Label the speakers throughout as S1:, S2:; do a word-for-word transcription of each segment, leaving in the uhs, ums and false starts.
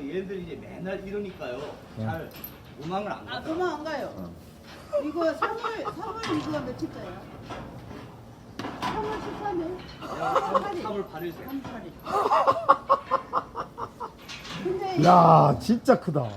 S1: 얘네들이 이제 맨날 이러니까요. 잘 도망을 안
S2: 아,
S1: 가요.
S2: 도망 안 가요.
S1: 어.
S2: 이거 삼월, 삼월 이거가 며칠자야? 삼월 십삼 일?
S1: 삼월 팔 일 생.
S2: 삼월 팔 일. 근데
S3: 야, 진짜 크다.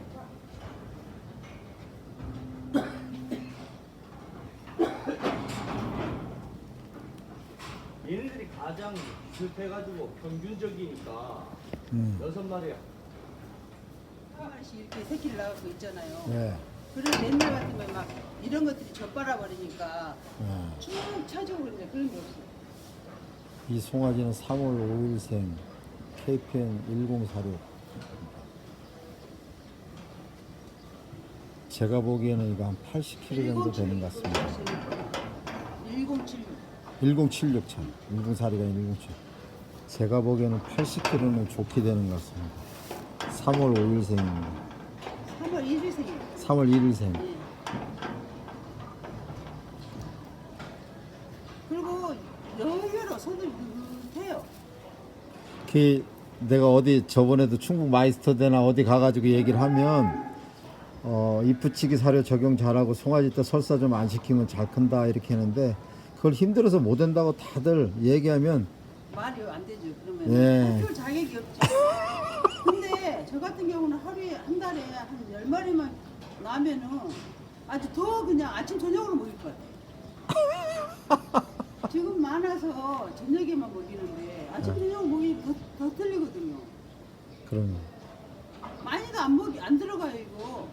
S1: 얘네들이 가장 비슷해가지고 평균적이니까
S3: 음.
S1: 여섯 마리야.
S2: 한 마리씩 이렇게 새끼를 낳고 있잖아요.
S3: 네.
S2: 그래서 옛날 같으면 막 이런 것들이 젖바라 버리니까
S3: 네.
S2: 쭉 차지고 그러는데 그런 게 없어요.
S3: 이 송아지는 삼월 오일생 케이피엔 일공사육. 제가 보기에는 이거 한 팔십 킬로그램 정도 되는 것 같습니다.
S2: 일공칠육.
S3: 일공칠육 참. 일공사육이 아니라 일공칠육. 제가 보기에는 팔십 킬로그램은 좋게 되는 것 같습니다. 삼월 오일생입니다.
S2: 삼월 일 일생이에요.
S3: 삼월 일일생.
S2: 예. 그리고 여유로 손을 못해요.
S3: 그 내가 어디 저번에도 충북 마이스터대나 어디 가가지고 얘기를 하면 어, 이프치기 사료 적용 잘하고 송아지 때 설사 좀 안 시키면 잘 큰다 이렇게 하는데 그걸 힘들어서 못 한다고 다들 얘기하면
S2: 말이 안 되죠. 그러면
S3: 예.
S2: 할 자격이 없죠. 근데 저 같은 경우는 하루에 한 달에 한 열 마리만 나면은 아주 더 그냥 아침 저녁으로 먹일 것 같아요. 지금 많아서 저녁에만 먹이는데 아침 저녁 먹이 더, 더 틀리거든요.
S3: 그러면
S2: 많이도 안 먹이 안 들어가요 이거.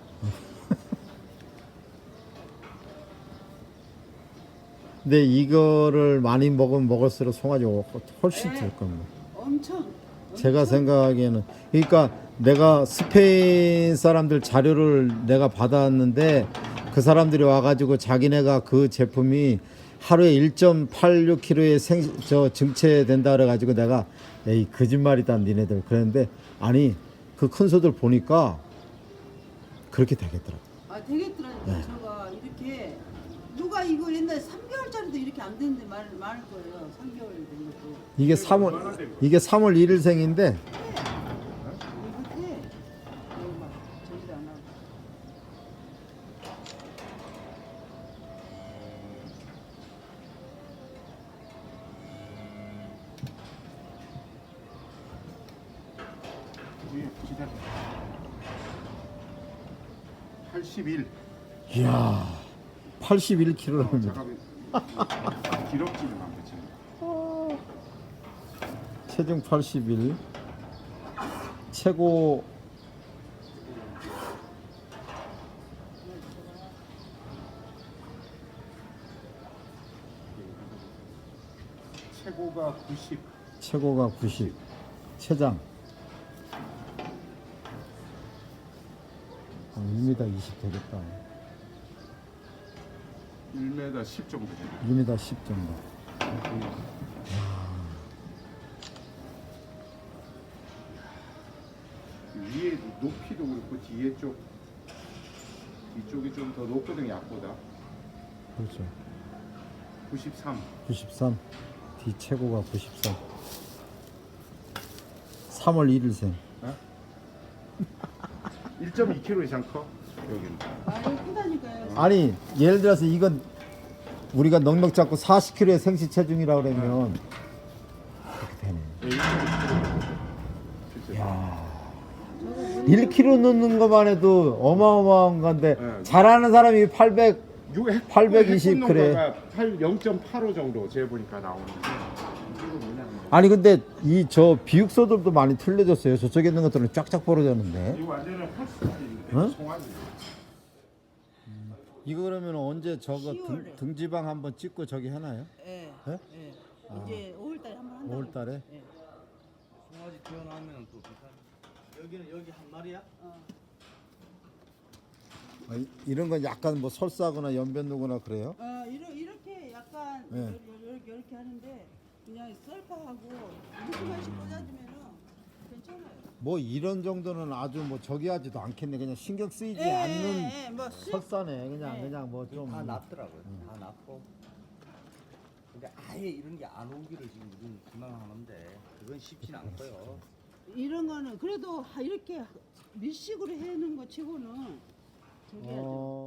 S3: 근데 이거를 많이 먹으면 먹을수록 송아지 훨씬
S2: 네.
S3: 될 겁니다.
S2: 엄청.
S3: 제가
S2: 엄청
S3: 생각하기에는 그러니까 내가 스페인 사람들 자료를 내가 받았는데 그 사람들이 와가지고 자기네가 그 제품이 하루에 일 점 팔육 킬로그램의 생, 저 증체된다 그래가지고 내가 에이 거짓말이다 니네들 그랬는데 아니 그 큰 소들 보니까 그렇게 되겠더라고.
S2: 아 되겠더라니까.
S3: 네.
S2: 저가 이렇게 누가 이거 옛날에 삼 개월짜리도 이렇게 안 되는데 말, 말 거예요. 삼 개월 된 것도.
S3: 이게 삼월 이게 삼월 일일생인데
S2: 이거 해. 이거 막 저기도 안 하고.
S4: 기다려. 팔십일.
S3: 이야 팔십일
S4: 어,
S3: 킬로그램입니다.
S4: 잠깐만. 기록지는 안 그치?
S3: 체중 팔십일 최고
S4: 최고가 구십.
S3: 최고가 구십 최장 일 미터 이십 되겠다.
S4: 일 미터 십 정도 되네.
S3: 일 미터 십 정도.
S4: 위에 높이도 그렇고 뒤에 쪽 뒤쪽이 좀 더 높거든 약보다.
S3: 그렇죠.
S4: 구십삼.
S3: 구십삼 뒤 최고가 구십삼 삼월 일일생.
S4: 일 점 이 킬로그램 이상 커. 여기는.
S2: 아 이거 크다니까요.
S3: 아니 예를 들어서 이건 우리가 넉넉 잡고 사십 킬로그램의 생시 체중이라 그러면 그렇게 되네.
S4: 일 점 이 킬로그램.
S3: 야 일 킬로그램 넣는 것만 해도 어마어마한 건데
S4: 네.
S3: 잘하는 사람이 팔백 팔백이십 그래.
S4: 영 점 팔오 정도 재 보니까 나오는데.
S3: 아니 근데 이 저 비육소들도 많이 틀려졌어요. 저쪽에 있는 것들은 쫙쫙 벌어졌는데.
S4: 이거 완전히 핫스타일인데.
S3: 어?
S4: 송아지.
S3: 이거 그러면 언제 저거 등,
S2: 시월에.
S3: 등지방 한번 찍고 저기 하나요?
S2: 예.
S3: 예?
S2: 예. 이제 오월달에 한번 한다.
S3: 오월달에?
S2: 예.
S1: 송아지 태어나면 또 비슷한. 여기는 여기 한 마리야?
S2: 어.
S3: 아, 이- 이런 건 약간 뭐 설사거나 연변누거나 그래요?
S2: 어 이러, 이렇게 약간
S3: 예.
S2: 이렇게, 이렇게 하는데 그냥 썰파하고 무슨맛이 꽂아주면은 괜찮아요.
S3: 뭐 이런 정도는 아주 뭐 저기 하지도 않겠네. 그냥 신경 쓰이지
S2: 예,
S3: 않는
S2: 예, 예, 뭐 술-
S3: 설사네. 그냥
S2: 예.
S3: 그냥 뭐 좀
S1: 다 낫더라고요. 다 낫고. 근데 아예 이런 게 안 오기를 지금 우리는 희망하는데 그건 쉽진 않고요.
S2: 이런 거는 그래도 하- 이렇게 밀식으로 해놓은 거 치고는 저기 아주
S3: 어.